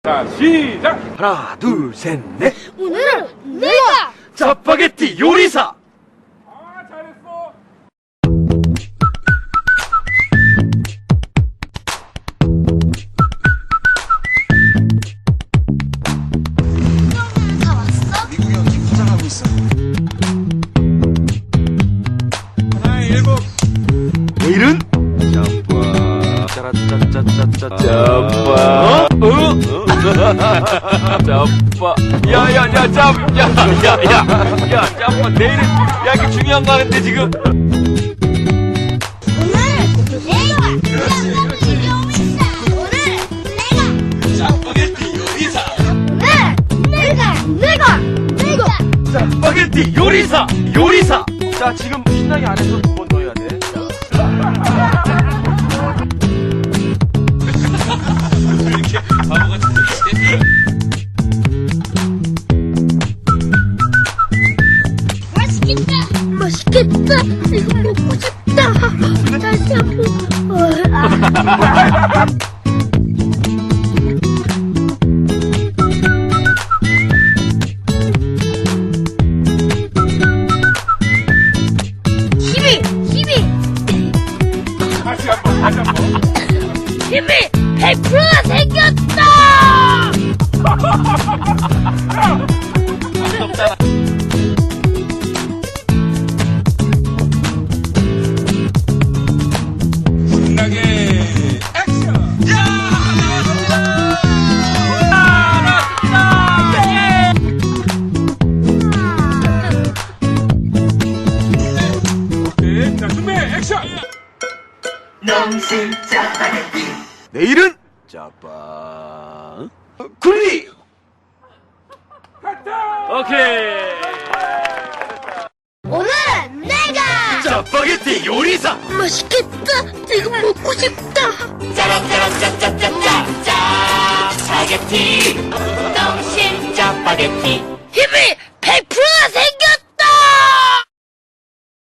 자, 시작! 하나, 둘, 셋, 넷. 오늘은 내가 짜파게티 요리사. 아, 잘했어! 다 왔어? 미국이 형 지금 화장하고 있어. 하나, 일곱. 내일은 짜파. 짜라짜짜짜짜. 짜파. 짜파. 야야야 짭. 야야야 짜파. 내일은 야 이게 중요한 거 하는데 지금. 짜파게티 요리사. 짜파게티 요리사. 자 지금 신나게 안 해서 두 번 더 해야 돼. 이렇게 바보 같은데. 맛있겠다. 이거 먹고 싶다. 다시 한번. 힘이 다시 한 번. 힘이 100%가 생겼다. 신나게 액션. 야! 오케이, 자, 준비, 액션! 내일은 짜파. 굴리. 오케이. 오늘은 내가 짜파게티 요리사. 맛있겠다. 이거 먹고 싶다. 짜파게티 농심 짜파게티 힘이 100%가 생겼다.